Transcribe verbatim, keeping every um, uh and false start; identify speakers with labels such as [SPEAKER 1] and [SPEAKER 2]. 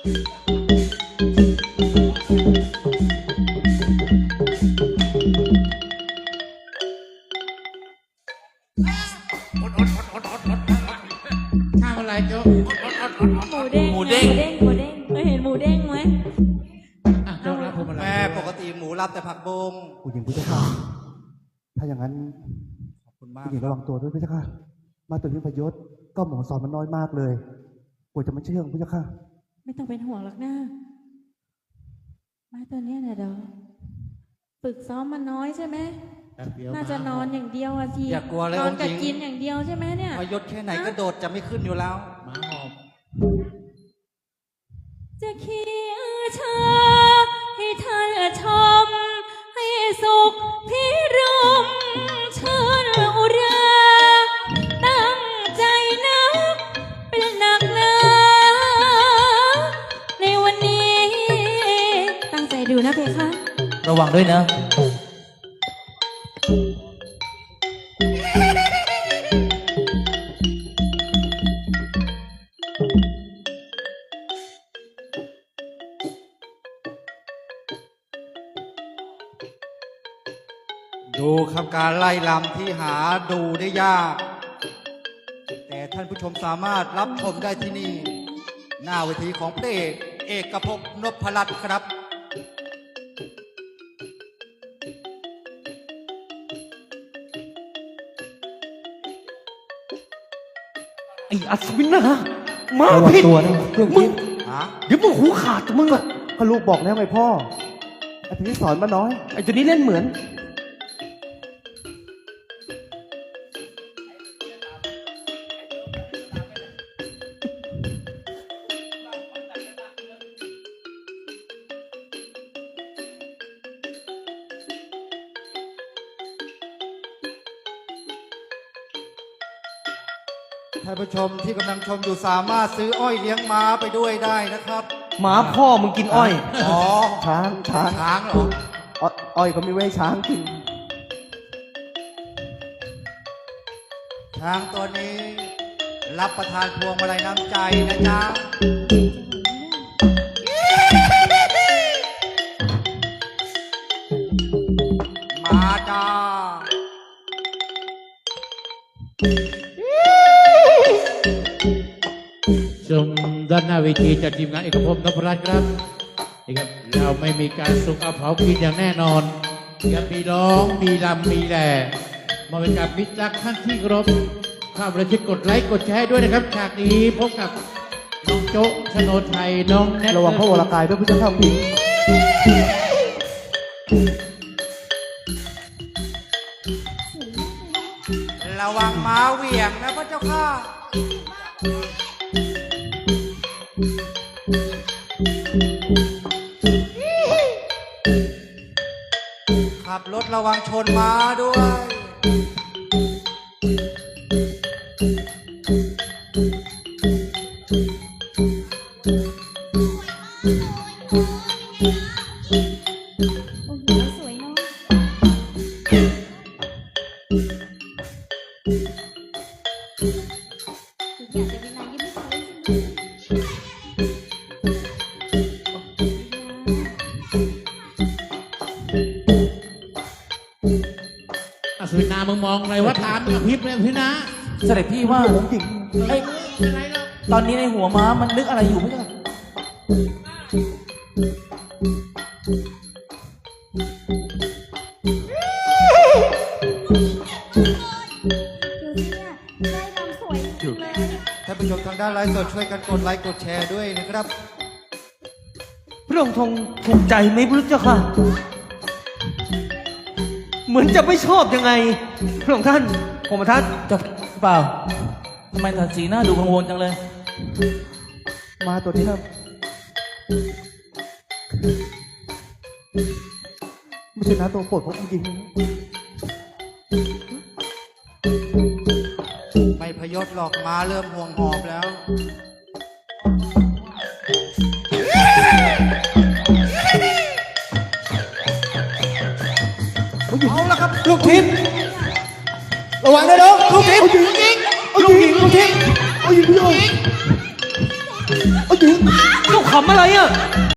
[SPEAKER 1] ทำอะไรโจ๊ก
[SPEAKER 2] หมูเด้งหมูเด้งหมูเด้งเคยเห็นหมูเด้งไหม
[SPEAKER 1] โจ๊กรับผมอะไร
[SPEAKER 3] แม่ปกติหมูรับแต่ผักบง
[SPEAKER 4] ผู้หญิงผู้ชายถ้าอย่างนั้น
[SPEAKER 3] ขอบคุณมาก
[SPEAKER 4] ผู้หญิงระวังตัวด้วยพี่เจ้าค่ะมาตัวนี้พยศก็หมอสอนมันน้อยมากเลยกลัวจะไม่เชื่องพี่เจ้าค่ะ
[SPEAKER 2] ไม่ต้องเป็นห่วงหรอกนะมาตัวเนี้ยนะเดี๋ยวฝึกซ้อมมันน้อยใช่ไหมน่าจะนอนอย่างเดียวอะที
[SPEAKER 3] อย่ากลัวเลย
[SPEAKER 2] นอนกับกินอย่างเดียวใช่ไหมเนี่ย
[SPEAKER 3] พยศแค่ไหนก็โดดจะไม่ขึ้นอยู่แล้ว
[SPEAKER 1] หมาหอม
[SPEAKER 2] จะเคียชาให้ท่านชมให้สุขพิรมเชิญอุราตั้งใจนักเป็นหนักหนาในวันนี้ตั้งใจดูนะเพคะ
[SPEAKER 5] ระวังด้วยนะ
[SPEAKER 3] ดูครับการไล่ลำที่หาดูได้ยากแต่ท่านผู้ชมสามารถรับชมได้ที่นี่หน้าเวทีของพระเอกเอกภพนพรัตน์ครับ
[SPEAKER 5] ไอ้อัศวินนะมาผิด
[SPEAKER 4] ตัวนะ
[SPEAKER 5] มึงเดี๋ยวมึงหูขาดมึงอะ
[SPEAKER 4] ก็ลูกบอกแล้วไงพ่อไอ้ที่สอนมันน้อย
[SPEAKER 5] ไอ้ตัวนี้เล่นเหมือน
[SPEAKER 3] ท่านผู้ชมที่กำลังชมอยู่สามารถซื้ออ้อยเลี้ยงม้าไปด้วยได้นะครับ
[SPEAKER 5] หมาพ่อมึงกินอ้อย
[SPEAKER 3] อ๋อ
[SPEAKER 4] ช้างช้าง
[SPEAKER 3] ช้างเหรอ
[SPEAKER 4] อ้อยก็มีไว้ช้างกิน
[SPEAKER 3] ช้างตัวนี้รับประทานพวงมาลัยน้ำใจนะจ๊ะมาจ้า
[SPEAKER 1] ชมด้านหน้าเวทีจากทีมงานเอกภพนพรัตน์ครับนี่ครับเราไม่มีการสุกเอาเผากินอย่างแน่นอนยังมีร้องมีรำมีแหล่มาเป็นการมิตรรักท่านที่เคารพข้าวประชิดกดไลค์กดแชร์ด้วยนะครับฉากนี้พบกับน้องโจ๊กชโนไทยน้องแนท
[SPEAKER 4] ระวังพระวรากายด้วยพี่เจ้าค่ะพี่
[SPEAKER 3] ระวังม้าเหวี่ยงนะพระเจ้าค่ะขับรถระวังชนม้าด้วย
[SPEAKER 2] สวยเนาะอยากจะเป็นนายยิ้มให้เขา
[SPEAKER 1] อสุนามึงมองอะไรว่าตามกับพริบเลยพี่นะ
[SPEAKER 5] เสด็จพี่ว่า
[SPEAKER 4] ผมหญิง
[SPEAKER 5] ไอ้ตอนนี้ในหัวม้ามันนึกอะไรอยู่ไม่ใช่
[SPEAKER 3] ท่านผู้ชมทางด้านไลฟ์สดช่วยกันกดไลค์กดแชร์ด้วยนะครับ
[SPEAKER 5] พระองค์ทรงถูกใจไหมพระเจ้าค่ะเหมือนจะไม่ชอบยังไงพระองค์ท่านผมทัศน์จะเปล่าทำไมท่านสีหน้าดูกังวลจังเลย
[SPEAKER 4] มาตัวนี้ครับไม่ใช่นะตัวโปรดของจริง
[SPEAKER 3] ไม่พยศหรอกม้าเริ่มห่วงหอบแล้วเอาละครับลูกทิพย์ระวังนะน้องลูกทิพย์ลูกหญิงลูกหญิงลูกทิพย์ลูกหญิงลูกหญิง
[SPEAKER 4] เอาหญิง
[SPEAKER 5] เจ้าขำอะไรอ่ะ